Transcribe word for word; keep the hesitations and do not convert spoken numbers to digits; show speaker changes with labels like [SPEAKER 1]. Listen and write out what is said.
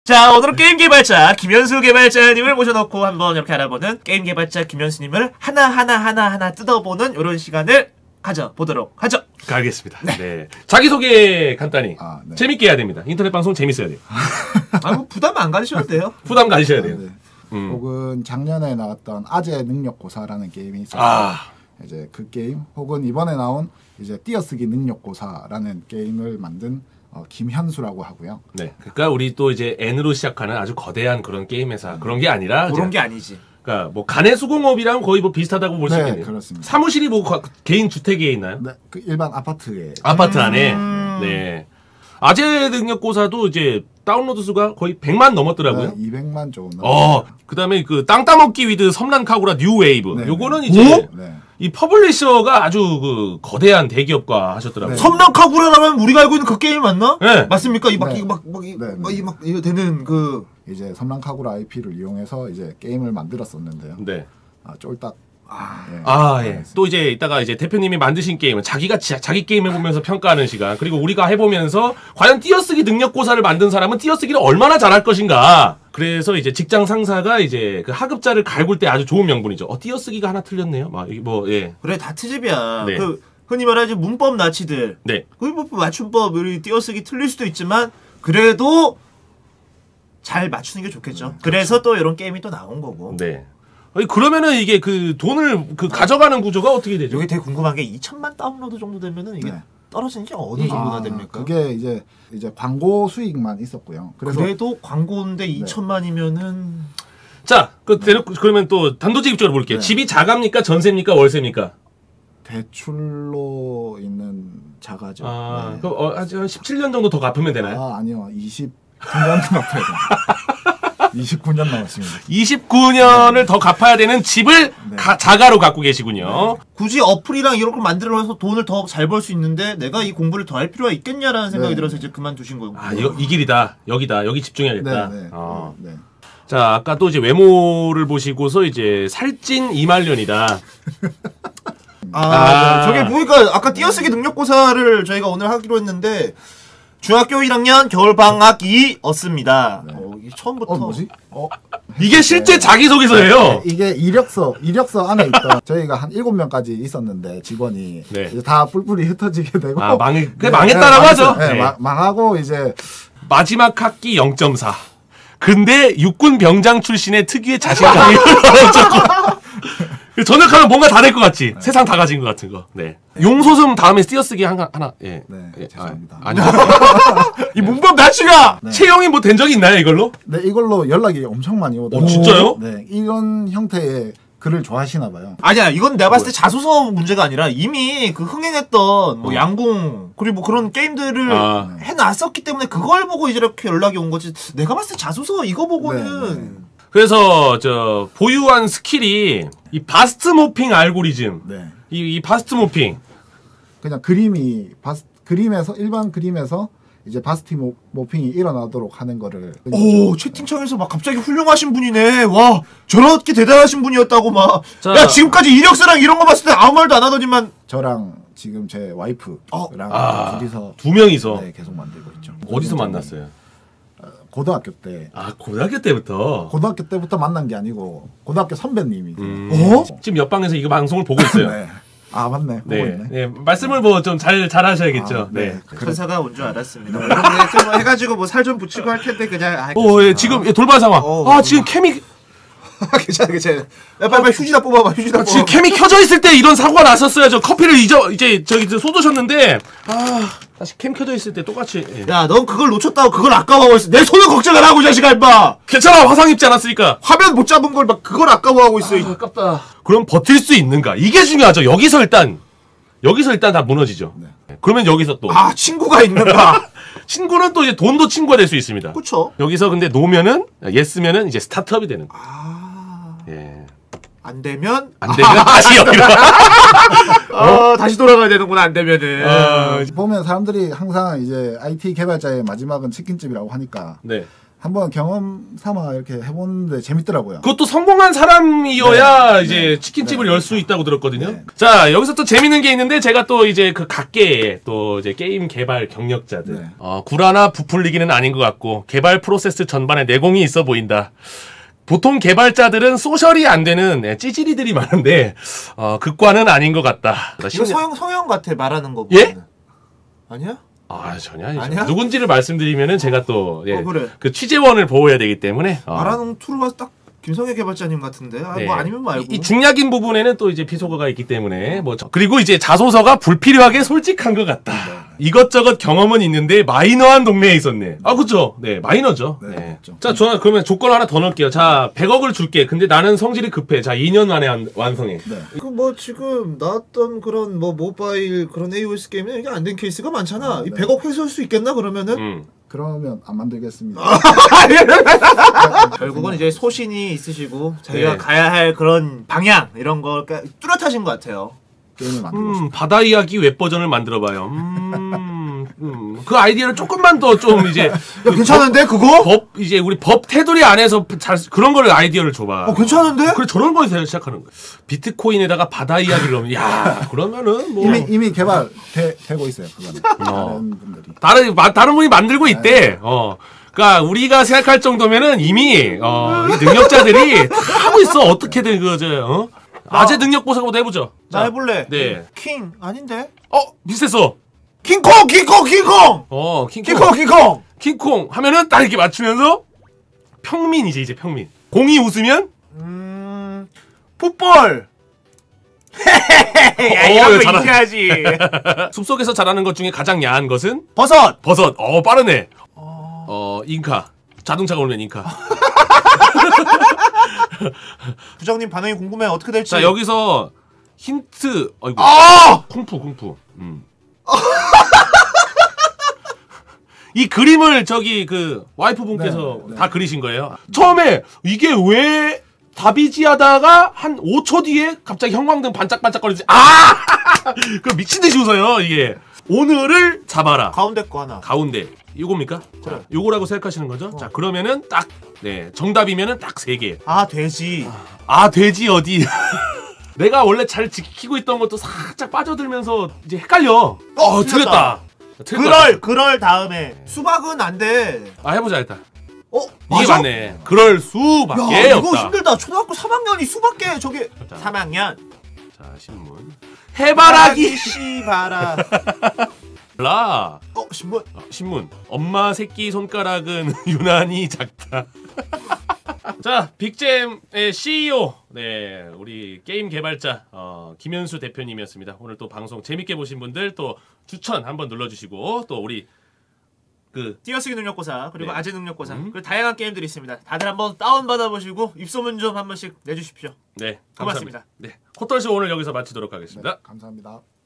[SPEAKER 1] 자, 오늘은 게임 개발자 김현수 개발자님을 모셔놓고 한번 이렇게 알아보는 게임 개발자 김현수님을 하나하나 하나하나 뜯어보는 이런 시간을 가져보도록 하죠.
[SPEAKER 2] 알겠습니다. 네. 네. 자기소개 간단히.
[SPEAKER 3] 아, 네.
[SPEAKER 2] 재밌게 해야 됩니다. 인터넷 방송 재밌어야 돼요.
[SPEAKER 1] 아, 뭐 부담 안 가지셔도 돼요.
[SPEAKER 2] 부담 가지셔야 돼요.
[SPEAKER 3] 아, 네.
[SPEAKER 2] 음.
[SPEAKER 3] 혹은 작년에 나왔던 아재 능력고사라는 게임이 있어요.
[SPEAKER 2] 아.
[SPEAKER 3] 이제 그 게임 혹은 이번에 나온 이제 띄어쓰기 능력고사라는 게임을 만든 어, 김현수라고 하고요.
[SPEAKER 2] 네. 그러니까 우리 또 이제 N으로 시작하는 아주 거대한 그런 게임 회사 음. 그런 게 아니라
[SPEAKER 1] 그런
[SPEAKER 2] 이제,
[SPEAKER 1] 게 아니지.
[SPEAKER 2] 그러니까 뭐 간의 수공업이랑 거의 뭐 비슷하다고 볼 수
[SPEAKER 3] 네,
[SPEAKER 2] 있겠네요.
[SPEAKER 3] 그렇습니다.
[SPEAKER 2] 사무실이 뭐 과, 개인 주택에 있나요?
[SPEAKER 3] 네, 그 일반 아파트에.
[SPEAKER 2] 아파트 안에.
[SPEAKER 1] 음.
[SPEAKER 2] 네. 아재 능력고사도 이제 다운로드 수가 거의 백만 넘었더라고요.
[SPEAKER 3] 네, 이백만 조금.
[SPEAKER 2] 어, 그다음에 그 땅 따먹기 위드 섬란 카구라 뉴 웨이브.
[SPEAKER 3] 네,
[SPEAKER 2] 요거는
[SPEAKER 3] 네.
[SPEAKER 2] 이제
[SPEAKER 3] 네.
[SPEAKER 2] 이 퍼블리셔가 아주 그 거대한 대기업과 하셨더라고요.
[SPEAKER 3] 네.
[SPEAKER 1] 섬랑카구라라면 우리가 알고 있는 그 게임 맞나?
[SPEAKER 2] 네.
[SPEAKER 1] 맞습니까? 이막
[SPEAKER 3] 네.
[SPEAKER 1] 이거 막막
[SPEAKER 3] 네, 네.
[SPEAKER 1] 막 이막 이거 되는 그
[SPEAKER 3] 이제 섬랑카구라 아이피를 이용해서 이제 게임을 만들었었는데요.
[SPEAKER 2] 네.
[SPEAKER 3] 아, 쫄딱. 아, 예.
[SPEAKER 2] 아, 예. 또 이제 이따가 이제 대표님이 만드신 게임은 자기가 지, 자기 게임 해보면서 평가하는 시간. 그리고 우리가 해보면서 과연 띄어쓰기 능력고사를 만든 사람은 띄어쓰기를 얼마나 잘할 것인가. 그래서 이제 직장 상사가 이제 그 하급자를 갈굴 때 아주 좋은 명분이죠. 어, 띄어쓰기가 하나 틀렸네요. 막, 뭐, 예.
[SPEAKER 1] 그래 다 트집이야.
[SPEAKER 2] 네.
[SPEAKER 1] 그 흔히 말하지 문법 나치들.
[SPEAKER 2] 네.
[SPEAKER 1] 그 뭐 맞춤법 우리 띄어쓰기 틀릴 수도 있지만 그래도 잘 맞추는 게 좋겠죠.
[SPEAKER 3] 네,
[SPEAKER 1] 그래서 또 이런 게임이 또 나온 거고.
[SPEAKER 2] 네. 아니, 그러면은 이게 그 돈을 그 가져가는 구조가 어떻게 되죠?
[SPEAKER 1] 여기 되게 궁금한 게 이천만 다운로드 정도 되면은 이게
[SPEAKER 3] 네.
[SPEAKER 1] 떨어지는 게 어느 정도나
[SPEAKER 3] 아,
[SPEAKER 1] 됩니까?
[SPEAKER 3] 그게 이제 이제 광고 수익만 있었고요. 그래서
[SPEAKER 1] 그래도 광고인데 이천만이면은
[SPEAKER 2] 자, 그, 대놓 그러면 또 단도직입적으로 볼게요.
[SPEAKER 3] 네.
[SPEAKER 2] 집이 자가입니까? 전세입니까? 월세입니까?
[SPEAKER 3] 대출로 있는 자가죠.
[SPEAKER 2] 아,
[SPEAKER 3] 네.
[SPEAKER 2] 그럼 어, 한 십칠 년 정도 더 갚으면 되나요?
[SPEAKER 3] 아, 아니요. 이십구 년 갚아야 돼요. 이십구 년 남았습니다.
[SPEAKER 2] 이십구 년을 더 갚아야 되는 집을
[SPEAKER 3] 네.
[SPEAKER 2] 가, 자가로 갖고 계시군요.
[SPEAKER 1] 굳이 어플이랑 이런 걸 만들어서 돈을 더 잘 벌 수 있는데 내가 이 공부를 더 할 필요가 있겠냐라는 생각이
[SPEAKER 3] 네.
[SPEAKER 1] 들어서 이제 그만두신 거고.
[SPEAKER 2] 아, 이거, 이 길이다. 여기다. 여기 집중해야겠다.
[SPEAKER 3] 네, 네.
[SPEAKER 2] 어.
[SPEAKER 3] 네.
[SPEAKER 2] 자, 아까 또 이제 외모를 보시고서 이제 살찐 이말년이다.
[SPEAKER 1] 아,
[SPEAKER 2] 아.
[SPEAKER 1] 저게 보니까 아까 띄어쓰기 능력고사를 저희가 오늘 하기로 했는데 중학교 일 학년 겨울방학이었습니다.
[SPEAKER 3] 네.
[SPEAKER 1] 어, 이게 처음부터
[SPEAKER 3] 어, 뭐지? 어,
[SPEAKER 2] 이게 실제 자기소개서예요.
[SPEAKER 3] 이게 이력서, 이력서 안에 있던 저희가 한 일곱 명까지 있었는데 직원이
[SPEAKER 2] 네.
[SPEAKER 3] 이제 다 뿔뿔이 흩어지게 되고
[SPEAKER 2] 아, 망해, 그게
[SPEAKER 3] 네,
[SPEAKER 2] 망했다라고
[SPEAKER 3] 네,
[SPEAKER 2] 하죠.
[SPEAKER 3] 망했어요. 네,
[SPEAKER 2] 네.
[SPEAKER 3] 마- 망하고 이제
[SPEAKER 2] 마지막 학기 영 점 사. 근데 육군 병장 출신의 특유의 자신감이 올라오죠. 전역하면 뭔가 다 될 것 같지.
[SPEAKER 3] 네.
[SPEAKER 2] 세상 다 가진 것 같은 거. 네. 용소슴 다음에 띄어쓰기 하나, 하나. 예.
[SPEAKER 3] 네,
[SPEAKER 2] 예.
[SPEAKER 3] 죄송합니다.
[SPEAKER 2] 아, 아니.
[SPEAKER 1] 이 문법 나치가
[SPEAKER 3] 네.
[SPEAKER 2] 채용이 뭐 된 적이 있나요, 이걸로?
[SPEAKER 3] 네, 이걸로 연락이 엄청 많이 오더라고요.
[SPEAKER 2] 어, 진짜요?
[SPEAKER 3] 네, 이런 형태의 글을 좋아하시나 봐요.
[SPEAKER 1] 아니야, 이건 내가 봤을 때 자소서 문제가 아니라 이미 그 흥행했던 뭐
[SPEAKER 2] 어.
[SPEAKER 1] 양궁 그리고 뭐 그런 게임들을
[SPEAKER 2] 아.
[SPEAKER 1] 해놨었기 때문에 그걸 보고 이제 이렇게 연락이 온 거지. 내가 봤을 때 자소서 이거 보고는
[SPEAKER 3] 네, 네.
[SPEAKER 2] 그래서 저 보유한 스킬이 이 바스트 모핑 알고리즘.
[SPEAKER 3] 네.
[SPEAKER 2] 이, 이 바스트 모핑.
[SPEAKER 3] 그냥 그림이 바스, 그림에서 일반 그림에서 이제 바스티 모, 모핑이 일어나도록 하는 거를
[SPEAKER 1] 오, 채팅창에서 막 갑자기 훌륭하신 분이네. 와, 저렇게 대단하신 분이었다고 막.
[SPEAKER 2] 자.
[SPEAKER 1] 야, 지금까지 이력서랑 이런 거 봤을 때 아무 말도 안 하더니만.
[SPEAKER 3] 저랑 지금 제 와이프랑
[SPEAKER 2] 아,
[SPEAKER 3] 둘이서
[SPEAKER 2] 두 명이서
[SPEAKER 3] 네, 계속 만들고 있죠.
[SPEAKER 2] 어디서 만났어요?
[SPEAKER 3] 고등학교 때
[SPEAKER 2] 아, 고등학교 때부터.
[SPEAKER 3] 고등학교 때부터 만난 게 아니고 고등학교 선배님이
[SPEAKER 2] 음,
[SPEAKER 1] 어?
[SPEAKER 2] 지금 옆방에서 이거 방송을 보고 있어요.
[SPEAKER 3] 네. 아 맞네. 보고
[SPEAKER 2] 네,
[SPEAKER 3] 있네.
[SPEAKER 2] 네, 말씀을 뭐 좀 잘 잘하셔야겠죠.
[SPEAKER 3] 아,
[SPEAKER 2] 네.
[SPEAKER 3] 네. 그래.
[SPEAKER 1] 천사가 온 줄 알았습니다. 이렇게 뭐 해가지고 뭐 살 좀 붙이고 할 텐데 그냥. 아,
[SPEAKER 2] 오, 예, 지금 예, 돌발 상황.
[SPEAKER 1] 어,
[SPEAKER 2] 아,
[SPEAKER 1] 어.
[SPEAKER 2] 지금 캠이
[SPEAKER 1] 괜찮아, 괜찮아. 야, 빨리, 빨리 휴지나 뽑아봐, 휴지나 뽑아봐.
[SPEAKER 2] 지금 캠이 켜져 있을 때 이런 사고가 났었어요. 저 커피를 잊어 이제 저기 저 쏟으셨는데 아, 다시 캠 켜져 있을 때 똑같이. 예.
[SPEAKER 1] 야, 넌 그걸 놓쳤다고 그걸 아까워하고 있어. 내 손을 걱정을 하고, 이 자식아, 임마!
[SPEAKER 2] 괜찮아, 화상 입지 않았으니까.
[SPEAKER 1] 화면 못 잡은 걸 막 그걸 아까워하고 있어. 이-
[SPEAKER 2] 아, 아깝다. 그럼 버틸 수 있는가? 이게 중요하죠. 여기서 일단 여기서 일단 다 무너지죠.
[SPEAKER 3] 네.
[SPEAKER 2] 그러면 여기서 또
[SPEAKER 1] 아, 친구가 있는가?
[SPEAKER 2] 친구는 또 이제 돈도 친구가 될 수 있습니다.
[SPEAKER 1] 그쵸?
[SPEAKER 2] 여기서 근데 놓으면은 예스면은 이제 스타트업이 되는 거예요.
[SPEAKER 1] 아,
[SPEAKER 2] 예.
[SPEAKER 1] 안 되면?
[SPEAKER 2] 안 되면 다시 여기로.
[SPEAKER 1] 어, 다시 돌아가야 되는구나, 안 되면은.
[SPEAKER 2] 어,
[SPEAKER 3] 보면 사람들이 항상 이제 아이티 개발자의 마지막은 치킨집이라고 하니까
[SPEAKER 2] 네.
[SPEAKER 3] 한번 경험 삼아 이렇게 해보는데 재밌더라고요.
[SPEAKER 2] 그것도 성공한 사람이어야
[SPEAKER 3] 네.
[SPEAKER 2] 이제
[SPEAKER 3] 네.
[SPEAKER 2] 치킨집을
[SPEAKER 3] 네.
[SPEAKER 2] 열 수 있다고 들었거든요.
[SPEAKER 3] 네.
[SPEAKER 2] 자, 여기서 또 재밌는 게 있는데 제가 또 이제 그 각계의 또 이제 게임 개발 경력자들
[SPEAKER 3] 네.
[SPEAKER 2] 어, 구라나 부풀리기는 아닌 것 같고 개발 프로세스 전반에 내공이 있어 보인다. 보통 개발자들은 소셜이 안 되는 예, 찌질이들이 많은데 어, 극과는 아닌 것 같다.
[SPEAKER 1] 이거 서영 서영 같아 말하는 거.
[SPEAKER 2] 예?
[SPEAKER 1] 보면은. 아니야?
[SPEAKER 2] 아 전혀 아니죠.
[SPEAKER 1] 아니야?
[SPEAKER 2] 누군지를 말씀드리면은 제가 또 예,
[SPEAKER 1] 어, 그래.
[SPEAKER 2] 그 취재원을 보호해야 되기 때문에 어.
[SPEAKER 1] 말하는 투르가 딱 김성애 개발자님 같은데. 아,
[SPEAKER 2] 네.
[SPEAKER 1] 뭐 아니면 말고.
[SPEAKER 2] 이, 이 중약인 부분에는 또 이제 비속어가 있기 때문에 뭐 저- 그리고 이제 자소서가 불필요하게 솔직한 것 같다. 이것저것 경험은 있는데 마이너한 동네에 있었네. 아 그렇죠. 네 마이너죠.
[SPEAKER 3] 네,
[SPEAKER 2] 네.
[SPEAKER 3] 그렇죠.
[SPEAKER 2] 자 좋아 그러면 조건 하나 더 넣을게요. 자 백억을 줄게. 근데 나는 성질이 급해. 자 이 년 만에 한- 완성해.
[SPEAKER 3] 네.
[SPEAKER 1] 그 뭐 지금 나왔던 그런 뭐 모바일 그런 에이오에스 게임은 이게 안 된 케이스가 많잖아.
[SPEAKER 3] 아,
[SPEAKER 1] 이
[SPEAKER 3] 네.
[SPEAKER 1] 백억 회수할 수 있겠나 그러면은?
[SPEAKER 2] 음.
[SPEAKER 3] 그러면 안 만들겠습니다.
[SPEAKER 1] 결국은 이제 소신이 있으시고 자기가
[SPEAKER 2] 네.
[SPEAKER 1] 가야 할 그런 방향 이런 걸 까- 뚜렷하신 것 같아요.
[SPEAKER 3] 게임을 만들고 싶어요.
[SPEAKER 2] 음, 바다 이야기 웹 버전을 만들어봐요. 음, 음, 그 아이디어를 조금만 더 좀 이제
[SPEAKER 1] 야, 괜찮은데 그거?
[SPEAKER 2] 법 이제 우리 법 테두리 안에서 잘 그런 거를 아이디어를 줘봐.
[SPEAKER 1] 어 괜찮은데?
[SPEAKER 2] 그래 저런 거에서 시작하는 거야. 비트코인에다가 바다 이야기를 하면 야 그러면은 뭐
[SPEAKER 3] 이미 이미 개발 되, 되고 있어요. 그거는
[SPEAKER 2] 어.
[SPEAKER 3] 다른 분들이.
[SPEAKER 2] 다른 마- 다른 분이 만들고 있대. 어. 그러니까 우리가 생각할 정도면은 이미 어, 이 능력자들이 다 하고 있어. 어떻게든 그저 어? 아재 능력 보상부터 해보죠.
[SPEAKER 1] 나
[SPEAKER 2] 자,
[SPEAKER 1] 해볼래.
[SPEAKER 2] 네.
[SPEAKER 1] 킹 아닌데?
[SPEAKER 2] 어 비슷했어.
[SPEAKER 1] 킹콩 킹콩 킹콩
[SPEAKER 2] 어 킹콩
[SPEAKER 1] 킹콩 킹콩.
[SPEAKER 2] 킹콩 하면은 딱 이렇게 맞추면서 평민이지 이제 평민. 공이 웃으면
[SPEAKER 1] 음 풋볼. 야
[SPEAKER 2] 어,
[SPEAKER 1] 이런 거
[SPEAKER 2] 잘하-
[SPEAKER 1] 이겨야지.
[SPEAKER 2] 숲속에서 자라는 것 중에 가장 야한 것은
[SPEAKER 1] 버섯.
[SPEAKER 2] 버섯. 어 빠르네. 어 잉카. 자동차가 오면 잉카.
[SPEAKER 1] 부장님 반응이 궁금해. 어떻게 될지.
[SPEAKER 2] 자 여기서 힌트. 어이구.
[SPEAKER 1] 아!
[SPEAKER 2] 쿵푸 쿵푸. 음. 이 그림을 저기 그 와이프 분께서
[SPEAKER 3] 네, 네.
[SPEAKER 2] 다 그리신 거예요. 처음에 이게 왜 답이지 하다가 한 오 초 뒤에 갑자기 형광등 반짝반짝거리지. 아! 그 미친 듯이 웃어요, 이게. 오늘을 잡아라.
[SPEAKER 1] 가운데 거 하나.
[SPEAKER 2] 가운데. 요겁니까?
[SPEAKER 1] 그래.
[SPEAKER 2] 자, 요거라고 생각하시는 거죠? 자, 그러면은 딱 네, 정답이면은 딱 세 개.
[SPEAKER 1] 아 돼지.
[SPEAKER 2] 아, 돼지 어디? 내가 원래 잘 지키고 있던 것도 살짝 빠져들면서 이제 헷갈려. 어, 틀렸다. 틀렸다.
[SPEAKER 1] 그럴 그럴 다음에 수박은 안 돼.
[SPEAKER 2] 아, 해보자 일단.
[SPEAKER 1] 어
[SPEAKER 2] 이게
[SPEAKER 1] 맞아?
[SPEAKER 2] 맞네. 그럴 수밖에
[SPEAKER 1] 야 이거
[SPEAKER 2] 없다.
[SPEAKER 1] 힘들다. 초등학교 삼 학년이 수밖에 저게.
[SPEAKER 2] 자.
[SPEAKER 1] 삼 학년.
[SPEAKER 2] 자, 신문. 해바라기
[SPEAKER 1] 씨바라.
[SPEAKER 2] 라.
[SPEAKER 1] 어 신문.
[SPEAKER 2] 어, 신문. 엄마 새끼 손가락은 유난히 작다. 자, 빅잼의 씨이오, 네, 우리 게임 개발자 어, 김현수 대표님이었습니다. 오늘 또 방송 재밌게 보신 분들 또 추천 한번 눌러주시고 또 우리 그
[SPEAKER 1] 띄어쓰기 능력고사 그리고
[SPEAKER 2] 네.
[SPEAKER 1] 아재 능력고사
[SPEAKER 2] 음.
[SPEAKER 1] 그리고 다양한 게임들이 있습니다. 다들 한번 다운 받아보시고 입소문 좀 한 번씩 내주십시오.
[SPEAKER 2] 네,
[SPEAKER 1] 고맙습니다.
[SPEAKER 2] 감사합니다. 네, 코털쇼 오늘 여기서 마치도록 하겠습니다.
[SPEAKER 3] 네, 감사합니다.